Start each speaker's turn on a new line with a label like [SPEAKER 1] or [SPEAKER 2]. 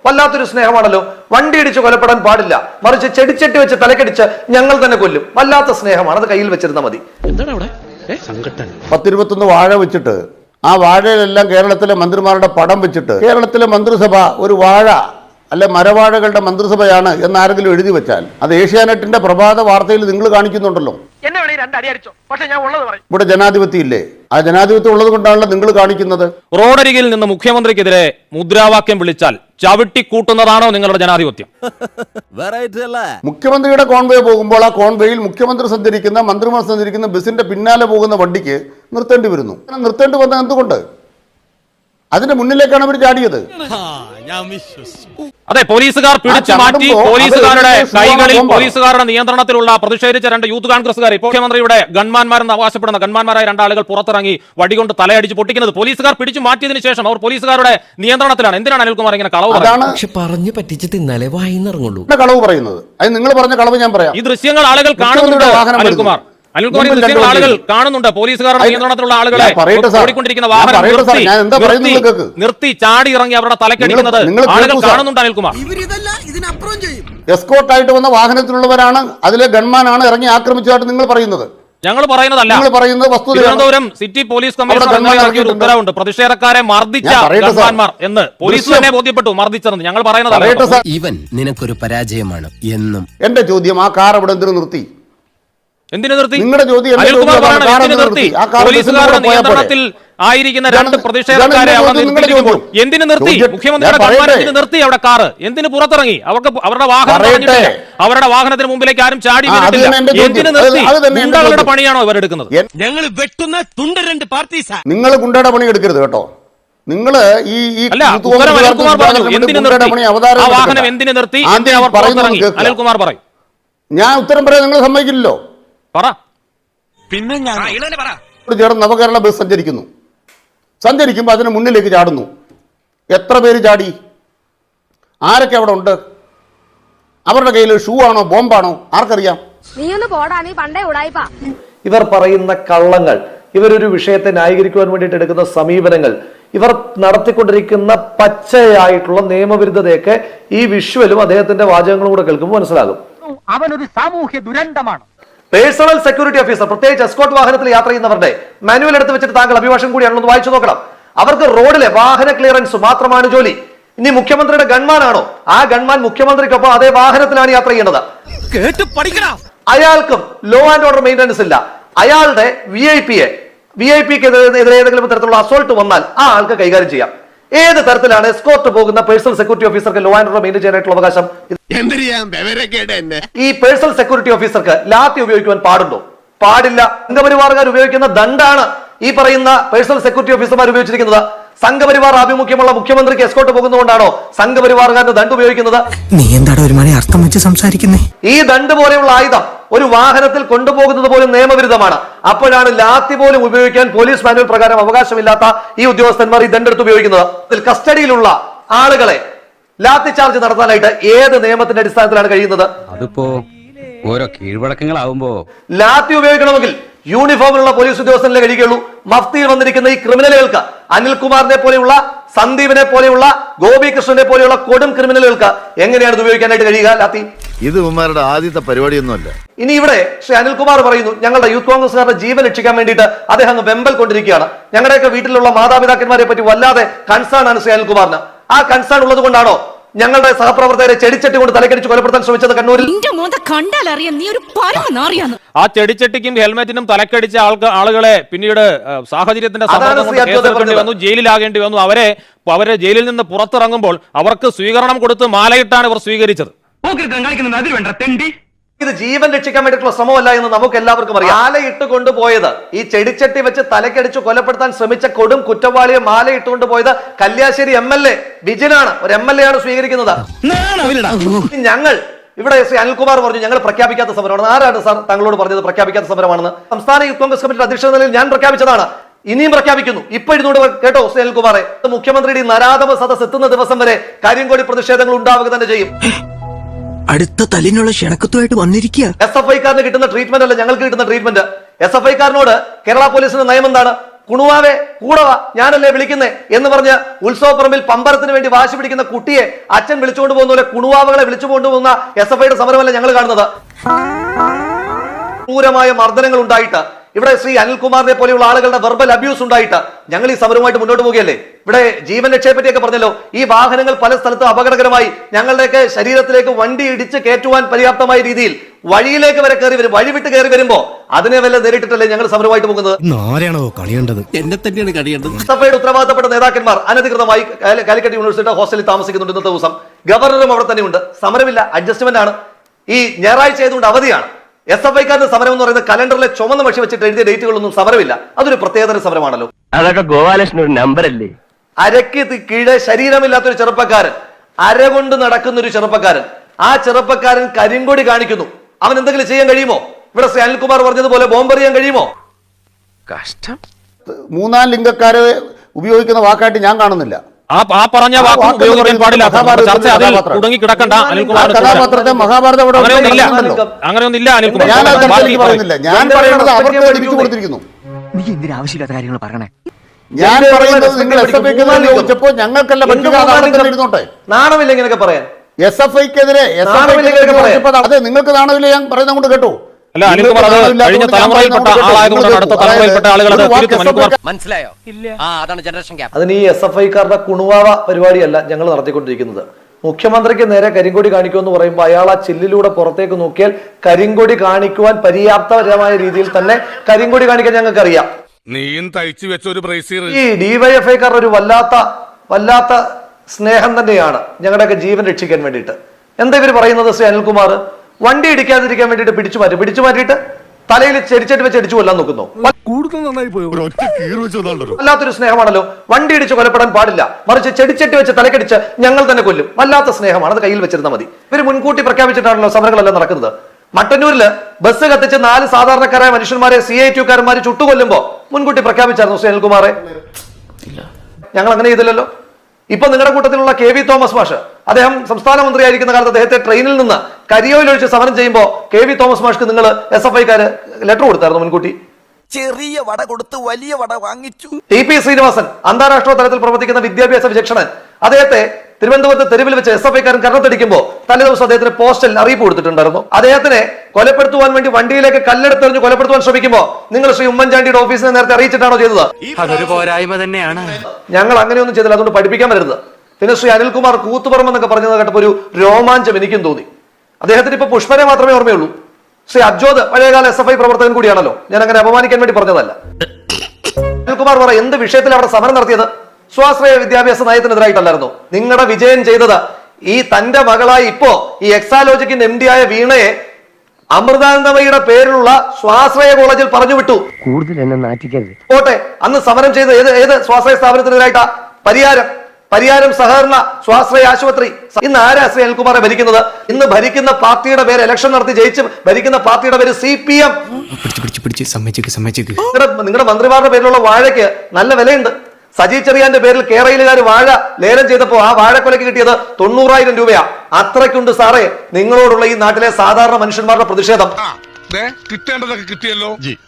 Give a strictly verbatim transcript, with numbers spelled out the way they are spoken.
[SPEAKER 1] വല്ലാത്തൊരു സ്നേഹമാണല്ലോ. വണ്ടി ഇടിച്ച് കൊലപ്പെടാൻ പാടില്ല, മറിച്ച് ചെടിച്ചട്ടി വെച്ച് തലക്കടിച്ച് ഞങ്ങൾ തന്നെ കൊല്ലും. വല്ലാത്ത സ്നേഹമാണ്, അത് കയ്യിൽ വെച്ചിരുന്നാൽ മതി.
[SPEAKER 2] പത്തിരുപത്തൊന്ന് വാഴ വെച്ചിട്ട് ആ വാഴയിലെല്ലാം കേരളത്തിലെ മന്ത്രിമാരുടെ പടം വെച്ചിട്ട് കേരളത്തിലെ മന്ത്രിസഭ ഒരു വാഴ അല്ലെ മരവാഴകളുടെ മന്ത്രിസഭയാണ് എന്നാരെങ്കിലും എഴുതി വെച്ചാൽ അത് ഏഷ്യാനെറ്റിന്റെ പ്രഭാത വാർത്തയിൽ നിങ്ങൾ കാണിക്കുന്നുണ്ടല്ലോ. ഇവിടെ ജനാധിപത്യം ഇല്ലേ? ആ ജനാധിപത്യം ഉള്ളത് കൊണ്ടാണല്ലോ നിങ്ങൾ കാണിക്കുന്നത്.
[SPEAKER 3] റോഡരികിൽ നിന്ന് മുഖ്യമന്ത്രിക്കെതിരെ മുദ്രാവാക്യം വിളിച്ചാൽ ചവിട്ടിക്കൂട്ടുന്നതാണോ നിങ്ങളുടെ ജനാധിപത്യം?
[SPEAKER 2] മുഖ്യമന്ത്രിയുടെ കോൺവേ പോകുമ്പോൾ ആ കോൺവേയിൽ മുഖ്യമന്ത്രി സഞ്ചരിക്കുന്ന മന്ത്രിമാർ സഞ്ചരിക്കുന്ന ബസിന്റെ പിന്നാലെ പോകുന്ന വണ്ടിക്ക് നിർത്തേണ്ടി വരുന്നു. നിർത്തേണ്ടി വന്നത് എന്തുകൊണ്ട്? അതിന്റെ മുന്നിലേക്കാണ് അവർ ചാടിയത്.
[SPEAKER 3] അതെ, പോലീസുകാർ പിടിച്ചു മാറ്റി പോലീസുകാരുടെ കൈകളിൽ പോലീസുകാരുടെ നിയന്ത്രണത്തിലുള്ള പ്രതിഷേധിച്ച രണ്ട് യൂത്ത് കോൺഗ്രസുകാർ ഇപ്പോൾ മുഖ്യമന്ത്രിയുടെ ഗൺമാന്മാരെന്ന് അവകാശപ്പെടുന്ന ഗൺമാന്മാരായ രണ്ടാളുകൾ പുറത്തിറങ്ങി വടികൊണ്ട് തലയടിച്ച് പൊട്ടിക്കുന്നത് പോലീസുകാർ പിടിച്ചു മാറ്റിയതിനു ശേഷം അവർ പോലീസുകാരുടെ നിയന്ത്രണത്തിലാണ്. എന്തിനാണ് അനിൽകുമാർ ഇങ്ങനെ കളവ്
[SPEAKER 4] പറഞ്ഞു പറ്റിച്ച് തിന്നാലേ വായിന്നിറങ്ങുള്ളൂ
[SPEAKER 2] കളവ് പറയുന്നത്? അത് നിങ്ങൾ പറഞ്ഞ കളവ് ഞാൻ പറയാം.
[SPEAKER 3] ഈ ദൃശ്യങ്ങൾ ആളുകൾ കാണുന്നുണ്ട്. അനിൽകുമാർ അനിൽകുമാർ ഈ ദൃശ്യങ്ങൾ ആളുകൾ കാണുന്നുണ്ട്. പോലീസുകാരുടെ നിയന്ത്രണത്തിലുള്ള ആളുകളെ ഓടിക്കൊണ്ടിരിക്കുന്ന വാഹനം നിർത്തി ചാടി ഇറങ്ങി അവരുടെ തലക്കടിക്കുന്നത് ആളുകൾ കാണുന്നുണ്ട്. അനിൽകുമാർ
[SPEAKER 2] എസ്കോർട്ടായിട്ട് വന്ന വാഹനത്തിലുള്ളവരാണ്, അതിലെ ഗൺമാനാണ് ഇറങ്ങി ആക്രമിച്ചതായിട്ട് നിങ്ങൾ പറയുന്നത്.
[SPEAKER 3] ഞങ്ങൾ പറയുന്നതല്ല, തിരുവനന്തപുരം സിറ്റി പോലീസ് കമ്മീഷണർ ഉത്തരവുണ്ട് പ്രതിഷേധക്കാരെ മർദ്ദിച്ച ഗൺമാന്മാർ എന്ന് പോലീസ് തന്നെ ബോധ്യപ്പെട്ടു മർദ്ദിച്ചതെന്ന്. ഞങ്ങൾ പറയുന്നതല്ല.
[SPEAKER 4] ഇവൻ നിനക്കൊരു പരാജയമാണ് എന്നും.
[SPEAKER 2] എന്റെ ചോദ്യം, ആ കാർ അവിടെ എന്തിനു നിർത്തി?
[SPEAKER 3] എന്തിനു നിർത്തി?
[SPEAKER 2] നിങ്ങളുടെ ചോദ്യം
[SPEAKER 3] അനിൽകുമാർ പറയണം എന്തിനു നിർത്തി? പോലീസുകാരുടെ നിയന്ത്രണത്തിൽ ആയിരിക്കുന്ന രണ്ട് പ്രതിഷേധക്കാരെ അവർ നിർത്തിയിരിക്കുമ്പോൾ എന്തിനു നിർത്തി? മുഖ്യമന്ത്രിയുടെ ഗവൺമെന്റിന് നിർത്തി അവിടെ കാറ് എന്തിനു പുറത്തിറങ്ങി? അവർക്ക് അവരുടെ വാഹനം അവരുടെ വാഹനത്തിന് മുമ്പിലേക്ക് ആരും ചാടി വീണിട്ടില്ല. എന്തിനു നിർത്തി? ഗുണ്ടകളുടെ പണിയാണോ ഇവരെടുക്കുന്നത്?
[SPEAKER 4] ഞങ്ങൾ വെട്ടുന്ന തുണ്ട രണ്ട് പാർട്ടീസാ.
[SPEAKER 2] നിങ്ങൾ ഗുണ്ടയുടെ പണി എടുക്കരുത് കേട്ടോ. നിങ്ങൾ ഈ
[SPEAKER 3] അനിൽകുമാർ പറഞ്ഞു എന്തിനു നിർത്തി? ആ വാഹനം എന്തിനു നിർത്തി? അവർ പുറത്തിറങ്ങി. അനിൽകുമാർ പറയും.
[SPEAKER 2] ഞാൻ ഉത്തരം പറയാൻ നിങ്ങൾ സമ്മതിക്കില്ലല്ലോ.
[SPEAKER 3] പറ.
[SPEAKER 4] പിന്നെ ഞാൻ
[SPEAKER 2] ചേർന്ന് നവകേരള ബസ് സഞ്ചരിക്കുന്നു. സഞ്ചരിക്കുമ്പോൾ അതിന് മുന്നിലേക്ക് ചാടുന്നു. എത്ര പേര് ചാടി? ആരൊക്കെ അവിടെ ഉണ്ട്? അവരുടെ കയ്യിൽ ഷൂ ആണോ ബോംബാണോ ആർക്കറിയാം?
[SPEAKER 1] ഇവർ പറയുന്ന കള്ളങ്ങൾ, ഇവരൊരു വിഷയത്തെ ന്യായീകരിക്കുവാൻ വേണ്ടിയിട്ട് എടുക്കുന്ന സമീപനങ്ങൾ, ഇവർ നടത്തിക്കൊണ്ടിരിക്കുന്ന പച്ചയായിട്ടുള്ള നിയമവിരുദ്ധതയൊക്കെ ഈ വിഷ്വലും അദ്ദേഹത്തിന്റെ വാചകങ്ങളും കൂടെ കേൾക്കുമ്പോൾ മനസ്സിലാകും.
[SPEAKER 5] അവനൊരു സാമൂഹ്യ ദുരന്തമാണ്.
[SPEAKER 1] പേഴ്സണൽ സെക്യൂരിറ്റി ഓഫീസർ, പ്രത്യേകിച്ച് എസ്കോർട്ട് വാഹനത്തിൽ യാത്ര ചെയ്യുന്നവരുടെ മാനുവൽ എടുത്ത് വെച്ചിട്ട് താങ്കൾ അഭിഭാഷകൻ കൂടിയാണെന്ന് വായിച്ചു നോക്കണം. അവർക്ക് റോഡിലെ വാഹന ക്ലിയറൻസ് മാത്രമാണ് ജോലി. ഇനി മുഖ്യമന്ത്രിയുടെ ഗൺമാനാണോ? ആ ഗൺമാൻ മുഖ്യമന്ത്രിക്കൊപ്പം അതേ വാഹനത്തിലാണ് യാത്ര ചെയ്യേണ്ടത്. അയാൾക്കും ലോ ആൻഡ് ഓർഡർ മെയിൻ്റനൻസ് ഇല്ല. അയാളുടെ വി ഐ പിയെ വി ഐ പിക്ക് എതിരെ ഏതെങ്കിലും തരത്തിലുള്ള അസോൾട്ട് വന്നാൽ ആ ആൾക്ക് കൈകാര്യം ചെയ്യാം. ഏത് തരത്തിലാണ് എസ്കോർട്ട് പോകുന്ന പേഴ്സണൽ സെക്യൂരിറ്റി ഓഫീസർക്ക് ലോ ആൻഡ് ഓർഡർ മെയിൻറ്റെയിൻ ചെയ്യാനായിട്ടുള്ള അവകാശം? ഈ പേഴ്സണൽ സെക്യൂരിറ്റി ഓഫീസർക്ക് ലാത്തി ഉപയോഗിക്കുവാൻ പാടുണ്ടോ? പാടില്ല. സംഘപരിവാറുകാർ ഉപയോഗിക്കുന്ന ദണ്ഡാണ് ഈ പറയുന്ന പേഴ്സണൽ സെക്യൂരിറ്റി ഓഫീസർമാർ ഉപയോഗിച്ചിരിക്കുന്നത്. സംഘപരിവാർ ആഭിമുഖ്യമുള്ള മുഖ്യമന്ത്രിക്ക് എസ്കോർട്ട് പോകുന്നതുകൊണ്ടാണോ സംഘപരിവാറുകാരന് ദണ്ഡ് ഉപയോഗിക്കുന്നത്?
[SPEAKER 4] നീ എന്താണ് ഒരു മണി അർത്ഥം വെച്ച് സംസാരിക്കുന്നേ?
[SPEAKER 1] ഈ ദണ്ഡ് പോലെയുള്ള ആയുധം ഒരു വാഹനത്തിൽ കൊണ്ടുപോകുന്നത് പോലും നിയമവിരുദ്ധമാണ്. അപ്പോഴാണ് ലാത്തി പോലും ഉപയോഗിക്കാൻ പോലീസ് മാനുവൽ പ്രകാരം അവകാശമില്ലാത്ത ഈ ഉദ്യോഗസ്ഥന്മാർ ഈ ദണ്ഡെടുത്ത് ഉപയോഗിക്കുന്നത്. ഇതിൽ കസ്റ്റഡിയിലുള്ള ആളുകളെ ലാത്തി ചാർജ് നടത്താനായിട്ട് ഏത് നിയമത്തിന്റെ അടിസ്ഥാനത്തിലാണ് കഴിയുന്നത്?
[SPEAKER 6] അതിപ്പോ ഓരോ കീഴ്വഴക്കങ്ങളാവുമ്പോ
[SPEAKER 1] ലാത്തി ഉപയോഗിക്കണമെങ്കിൽ യൂണിഫോമിലുള്ള പോലീസ് ഉദ്യോഗസ്ഥനെ കഴിയുകയുള്ളൂ. മഫ്തിയിൽ വന്നിരിക്കുന്ന ഈ ക്രിമിനലുകൾക്ക്, അനിൽകുമാറിനെ പോലെയുള്ള, സന്ദീപിനെ പോലെയുള്ള, ഗോപികൃഷ്ണനെ പോലെയുള്ള കൊടും ക്രിമിനലുകൾക്ക് എങ്ങനെയാണ് ഇത് ഉപയോഗിക്കാനായിട്ട് കഴിയുക? ലാത്തി
[SPEAKER 7] ഇത് ഉമ്മാരുടെ ആദ്യത്തെ പരിപാടിയൊന്നുമല്ല.
[SPEAKER 1] ഇനി ഇവിടെ ശ്രീ അനിൽകുമാർ പറയുന്നു ഞങ്ങളുടെ യൂത്ത് കോൺഗ്രസ്സുകാരുടെ ജീവൻ രക്ഷിക്കാൻ വേണ്ടിയിട്ട് അദ്ദേഹം അങ്ങ് വെമ്പൽ കൊണ്ടിരിക്കുകയാണ്. ഞങ്ങളുടെയൊക്കെ വീട്ടിലുള്ള മാതാപിതാക്കന്മാരെ പറ്റി വല്ലാതെ കൺസേൺ ആണ് ശ്രീ അനിൽകുമാറിന്. ആ കൺസേൺ ഉള്ളത് കൊണ്ടാണോ ഞങ്ങളുടെ സഹപ്രവർത്തകരെ ചെടിച്ചട്ടി കൊണ്ട് തലക്കടിച്ച് കൊലപ്പെടുത്താൻ ശ്രമിച്ചത് കണ്ണൂരിൽ?
[SPEAKER 3] ആ ചെടിച്ചട്ടിക്കും ഹെൽമെറ്റിനും തലക്കടിച്ച ആൾക്ക് ആളുകളെ പിന്നീട് സാഹചര്യത്തിന്റെ വന്നു, ജയിലിലാകേണ്ടി വന്നു. അവരെ അവരെ ജയിലിൽ നിന്ന് പുറത്തിറങ്ങുമ്പോൾ അവർക്ക് സ്വീകരണം കൊടുത്ത് മാലയിട്ടാണ് ഇവർ സ്വീകരിച്ചത്.
[SPEAKER 1] ഇത് ജീവൻ രക്ഷിക്കാൻ വേണ്ടിയിട്ടുള്ള ശ്രമമല്ല എന്ന് നമുക്ക് എല്ലാവർക്കും അറിയാം. മാലയിട്ട് കൊണ്ടുപോയത്, ഈ ചെടിച്ചട്ടി വെച്ച് തലക്കടിച്ച് കൊലപ്പെടുത്താൻ ശ്രമിച്ച കൊടും കുറ്റവാളിയെ മാലയിട്ടുകൊണ്ട് പോയത് കല്യാശ്ശേരി എം എൽ എ ബിജിനാണ്. ഒരു എം എൽ എ ആണ് സ്വീകരിക്കുന്നത്. ഞങ്ങൾ ഇവിടെ ശ്രീ അനിൽകുമാർ പറഞ്ഞു ഞങ്ങൾ പ്രഖ്യാപിക്കാത്ത സമരമാണ്. ആരാണ് സാർ താങ്കളോട് പറഞ്ഞത് പ്രഖ്യാപിക്കാത്ത സമരമാണെന്ന്? സംസ്ഥാന യൂത്ത് കോൺഗ്രസ് കമ്മിറ്റി അധ്യക്ഷ നിലയിൽ ഞാൻ പ്രഖ്യാപിച്ചതാണ്. ഇനിയും പ്രഖ്യാപിക്കുന്നു. ഇപ്പൊ ഇരുന്നൂറ് കേട്ടോ ശ്രീ അനിൽകുമാറെ, മുഖ്യമന്ത്രിയുടെ നരാധമ സദസ് എത്തുന്ന ദിവസം വരെ കരിങ്കോടി പ്രതിഷേധങ്ങൾ ഉണ്ടാവുക തന്നെ ചെയ്യും.
[SPEAKER 4] അടുത്ത തല്ലിനുള്ള ക്ഷണക്കത്തുമായിട്ട് വന്നിരിക്കുക.
[SPEAKER 1] എസ് എഫ് ഐക്കാരന് കിട്ടുന്ന ട്രീറ്റ്മെന്റ് അല്ല ഞങ്ങൾക്ക് കിട്ടുന്ന ട്രീറ്റ്മെന്റ്. എസ് എഫ് ഐക്കാരനോട് കേരള പോലീസിന്റെ നയം എന്താണ്? കുണുവാവെ കൂടവ ഞാനല്ലേ വിളിക്കുന്നേ എന്ന് പറഞ്ഞ് ഉത്സവപ്പറമ്പിൽ പമ്പരത്തിന് വേണ്ടി വാശി പിടിക്കുന്ന കുട്ടിയെ അച്ഛൻ വിളിച്ചുകൊണ്ട് പോകുന്ന പോലെ കുണുവാവകളെ വിളിച്ചു കൊണ്ടുപോകുന്ന എസ് എഫ് ഐയുടെ സമരമല്ല ഞങ്ങൾ കാണുന്നത്. ക്രൂരമായ മർദ്ദനങ്ങൾ ഉണ്ടായിട്ട് ഇവിടെ ശ്രീ അനിൽകുമാറിനെ പോലെയുള്ള ആളുകളുടെ വെർബൽ അബ്യൂസ് ഉണ്ടായിട്ട് ഞങ്ങൾ ഈ സമരവുമായിട്ട് മുന്നോട്ട് പോവുകയല്ലേ. ഇവിടെ ജീവൻ രക്ഷയെ പറ്റിയൊക്കെ പറഞ്ഞല്ലോ. ഈ വാഹനങ്ങൾ പല സ്ഥലത്തും അപകടകരമായി ഞങ്ങളുടെയൊക്കെ ശരീരത്തിലേക്ക് വണ്ടി ഇടിച്ച് കയറ്റുവാൻ പര്യാപ്തമായ രീതിയിൽ വഴിയിലേക്ക് വരെ കയറി വരും. വഴി വിട്ട് കയറി വരുമ്പോ അതിനെ വല്ല നേരിട്ടിട്ടല്ലേ ഞങ്ങൾ സമരവുമായിട്ട് പോകുന്നത്.
[SPEAKER 4] ആരെയാണോ കളിയേണ്ടത്? എന്നെ തന്നെയാണ് കളിയേണ്ടത്.
[SPEAKER 1] സഭയുടെ ഉത്തരവാദിത്തപ്പെട്ട നേതാക്കന്മാർ അനധികൃതമായി കാലിക്കറ്റ് യൂണിവേഴ്സിറ്റിയുടെ ഹോസ്റ്റലിൽ താമസിക്കുന്നുണ്ട്. ഇന്നത്തെ ദിവസം ഗവർണറും അവിടെ തന്നെയുണ്ട്. സമരമില്ല, അഡ്ജസ്റ്റ്മെന്റ് ആണ്. ഈ ഞായറാഴ്ച ആയതുകൊണ്ട് അവധിയാണ്. എസ് എഫ് ഐക്കാരുടെ സമരം എന്ന് പറയുന്നത് കലണ്ടറിലെ ചുമന്ന മഷി വെച്ചിട്ട് എഴുതിയ ഡേറ്റുകളൊന്നും സമരമില്ല. അതൊരു പ്രത്യേകതര സമരമാണല്ലോ.
[SPEAKER 8] അതൊക്കെ ഗോപാലകൃഷ്ണൻ ഒരു നമ്പർ അല്ലേ?
[SPEAKER 1] അരക്ക് കീഴെ ശരീരമില്ലാത്തൊരു ചെറുപ്പക്കാരൻ, അരകൊണ്ട് നടക്കുന്ന ഒരു ചെറുപ്പക്കാരൻ, ആ ചെറുപ്പക്കാരൻ കരിങ്കൊടി കാണിക്കുന്നു. അവൻ എന്തെങ്കിലും ചെയ്യാൻ കഴിയുമോ? ഇവിടെ ശ്രീ അനിൽകുമാർ പറഞ്ഞതുപോലെ ബോംബെറിയാൻ കഴിയുമോ?
[SPEAKER 8] കഷ്ടം.
[SPEAKER 2] മൂന്നാം ലിംഗക്കാരെ ഉപയോഗിക്കുന്ന വാക്കായിട്ട് ഞാൻ കാണുന്നില്ല.
[SPEAKER 3] ആ ആ പറഞ്ഞ വാക്ക് ഉപയോഗിക്കാൻ പാടില്ല. ചർച്ച അതിൽ കുടുങ്ങി കിടക്കണ്ട അനിൽകുമാർ.
[SPEAKER 2] കഥാപാത്രത്തെ മഹാഭാരതം
[SPEAKER 3] അങ്ങനെയൊന്നില്ല, അങ്ങനെയൊന്നില്ല അനിൽകുമാർ.
[SPEAKER 2] ഞാൻ പറയുന്നില്ല, ഞാൻ പറയുന്നത് അവർക്ക് ലഭിച്ചു കൊടുത്തിരിക്കുന്നു.
[SPEAKER 5] നീ എന്തിനാ ആവശ്യമില്ലാത്ത കാര്യങ്ങൾ പറയണേ?
[SPEAKER 2] ഞാൻ പറയുന്നത് നിങ്ങൾ എസ് എഫ് ഐക്ക് ചോദിച്ചപ്പോ ഞങ്ങൾക്കല്ല ഇരുന്നോട്ടെ.
[SPEAKER 1] നാണമില്ല ഇങ്ങനെയൊക്കെ പറയാൻ.
[SPEAKER 2] എസ് എഫ് ഐക്കെതിരെ അതെ നിങ്ങൾക്ക് നാണമില്ല ഞാൻ പറയുന്നത് കൊണ്ട് കേട്ടോ.
[SPEAKER 3] അല്ല അനിൽകുമാർ, അത് കഴിഞ്ഞ തലമുറയിൽപ്പെട്ട ആളായതുകൊണ്ടാണ് അടുത്ത തലമുറയിൽപ്പെട്ട ആളുകൾ അത് തിരുത്തും. അനിൽകുമാർ
[SPEAKER 6] മനസ്സിലായോ? ഇല്ല. ആ അതാണ് ജനറേഷൻ ഗ്യാപ്പ്.
[SPEAKER 1] അതിന് ഈ എസ് എഫ് ഐക്കാരുടെ കുണുവാവ പരിപാടിയല്ല ഞങ്ങൾ നടത്തിക്കൊണ്ടിരിക്കുന്നത്. മുഖ്യമന്ത്രിക്ക് നേരെ കരിങ്കൊടി കാണിക്കുമെന്ന് പറയുമ്പോൾ അയാൾ ആ ചില്ലിലൂടെ പുറത്തേക്ക് നോക്കിയാൽ കരിങ്കൊടി കാണിക്കുവാൻ പര്യാപ്തപരമായ രീതിയിൽ തന്നെ കരിങ്കൊടി കാണിക്കാൻ ഞങ്ങൾക്ക് അറിയാം.
[SPEAKER 9] നീയും തയ്ച്ചു വെച്ച ഒരു ബ്രേസിയർ
[SPEAKER 1] ഈ ഡിവൈഎഫ്ഐക്കാരുടെ ഒരു വല്ലാത്ത വല്ലാത്ത സ്നേഹം തന്നെയാണ് ഞങ്ങളുടെയൊക്കെ ജീവൻ രക്ഷിക്കാൻ വേണ്ടിയിട്ട്. എന്താ ഇവർ പറയുന്നത്? ശ്രീ അനിൽകുമാർ വണ്ടി ഇടിക്കാതിരിക്കാൻ വേണ്ടിയിട്ട് പിടിച്ചു മാറ്റി പിടിച്ചു മാറ്റിയിട്ട് തലയിൽ ചെടിച്ചെട്ടി വെച്ച് അടിച്ചു കൊല്ലാൻ നോക്കുന്നു.
[SPEAKER 9] കൂടുതൽ നന്നായി പോയി.
[SPEAKER 1] വല്ലാത്തൊരു സ്നേഹമാണല്ലോ. വണ്ടി ഇടിച്ച് കൊലപ്പെടാൻ പാടില്ല, മറിച്ച് ചെടിച്ചെട്ടി വെച്ച് തലക്കടിച്ച് ഞങ്ങൾ തന്നെ കൊല്ലും. വല്ലാത്ത സ്നേഹമാണ്. അത് കയ്യിൽ വെച്ചിരുന്നാൽ മതി. ഇവർ മുൻകൂട്ടി പ്രഖ്യാപിച്ചിട്ടാണല്ലോ സമരങ്ങളെല്ലാം നടക്കുന്നത്. മട്ടന്നൂരില് ബസ് കത്തിച്ച് നാല് സാധാരണക്കാരായ മനുഷ്യന്മാരെ സി ഐ ടിക്കാരന്മാർ ചുട്ടുകൊല്ലുമ്പോ മുൻകൂട്ടി പ്രഖ്യാപിച്ചായിരുന്നു ശ്രീ അനിൽകുമാറെ? ഞങ്ങൾ അങ്ങനെ ചെയ്തില്ലല്ലോ. ഇപ്പൊ നിങ്ങളുടെ കൂട്ടത്തിലുള്ള കെ വി തോമസ് മാഷ്, അദ്ദേഹം സംസ്ഥാന മന്ത്രിയായിരിക്കുന്ന കാലത്ത് അദ്ദേഹത്തെ ട്രെയിനിൽ നിന്ന് കരിയോയിൽ ഒഴിച്ച് സമരം ചെയ്യുമ്പോൾ കെ വി തോമസ് മാഷ്ക്ക് നിങ്ങൾ എസ് എഫ് ഐക്കാര് ലെറ്റർ കൊടുത്തായിരുന്നു മുൻകൂട്ടി?
[SPEAKER 4] ചെറിയ വട കൊടുത്ത് വലിയ വട വാങ്ങിച്ചു.
[SPEAKER 1] ടി പി ശ്രീനിവാസൻ, അന്താരാഷ്ട്ര തലത്തിൽ പ്രവർത്തിക്കുന്ന വിദ്യാഭ്യാസ വിചക്ഷണൻ, അദ്ദേഹത്തെ തിരുവനന്തപുരത്ത് തെരുവിൽ വെച്ച് എസ് എഫ് ഐക്കാരൻ കരണത്തടിക്കുമ്പോൾ തലേദിവസം അദ്ദേഹത്തിന് പോസ്റ്റൽ അറിയിപ്പ് കൊടുത്തിട്ടുണ്ടായിരുന്നു. അദ്ദേഹത്തിനെ കൊലപ്പെടുത്തുവാൻ വേണ്ടി വണ്ടിയിലേക്ക് കല്ലെടുത്തെറിഞ്ഞ് കൊലപ്പെടുത്തുവാൻ ശ്രമിക്കുമ്പോൾ നിങ്ങൾ ശ്രീ ഉമ്മൻചാണ്ടിയുടെ ഓഫീസിനെ നേരത്തെ അറിയിച്ചിട്ടാണോ ചെയ്തത്?
[SPEAKER 4] അതൊരു പോരായ്മ തന്നെയാണ്.
[SPEAKER 1] ഞങ്ങൾ അങ്ങനെയൊന്നും ചെയ്തില്ല, അതുകൊണ്ട് പഠിപ്പിക്കാൻ വരരുത്. പിന്നെ ശ്രീ അനിൽകുമാർ കൂത്തുപറമ്പ് എന്നൊക്കെ പറഞ്ഞത് കേട്ടപ്പോൾ ഒരു രോമാഞ്ചം എനിക്കും തോന്നി. അദ്ദേഹത്തിന് ഇപ്പൊ പുഷ്പനെ മാത്രമേ ഓർമ്മയുള്ളൂ. ശ്രീ അബ്ജോദ് പഴയകാല എസ് എഫ് ഐ പ്രവർത്തകൻ കൂടിയാണല്ലോ. ഞാൻ അങ്ങനെ അപമാനിക്കാൻ വേണ്ടി പറഞ്ഞതല്ല. അനിൽകുമാർ പറ എന്ത് വിഷയത്തിൽ അവിടെ സമരം നടത്തിയത്? സ്വാശ്രയ വിദ്യാഭ്യാസ നയത്തിനെതിരായിട്ടല്ലായിരുന്നു. നിങ്ങളുടെ വിജയം ചെയ്തത് ഈ തന്റെ മകളായി ഇപ്പോ ഈ എക്സാലോജിക്കിന്റെ എം ഡി ആയ വീണയെ അമൃതാനന്ദമയുടെ പേരിലുള്ള സ്വാശ്രയ കോളേജിൽ പറഞ്ഞു വിട്ടു.
[SPEAKER 8] കൂടുതൽ എന്നെ നാറ്റിക്കരുത്.
[SPEAKER 1] പോട്ടെ, അന്ന് സമരം ചെയ്ത ഏത് ഏത് സ്വാശ്രയ സ്ഥാപനത്തിനെതിരായിട്ടാ? പരിയാരം പരിയാരം സഹകരണ സ്വാശ്രയ ആശുപത്രി. ഇന്ന് ആരാ ശ്രീ അനിൽകുമാറെ ഭരിക്കുന്നത്? ഇന്ന് ഭരിക്കുന്ന പാർട്ടിയുടെ പേര് ഇലക്ഷൻ നടത്തി ജയിച്ച് ഭരിക്കുന്ന പാർട്ടിയുടെ പേര് സി പി എം. നിങ്ങളുടെ മന്ത്രിമാരുടെ പേരിലുള്ള വാഴയ്ക്ക് നല്ല വിലയുണ്ട്. സജി ചെറിയാന്റെ പേരിൽ കേരളയിലുകാർ വാഴ ലേലം ചെയ്തപ്പോ ആ വാഴക്കൊലയ്ക്ക് കിട്ടിയത് തൊണ്ണൂറായിരം രൂപയാ. അത്രയ്ക്കുണ്ട് സാറേ നിങ്ങളോടുള്ള ഈ നാട്ടിലെ സാധാരണ മനുഷ്യന്മാരുടെ പ്രതിഷേധം.
[SPEAKER 9] കിട്ടേണ്ടതൊക്കെ കിട്ടിയല്ലോ.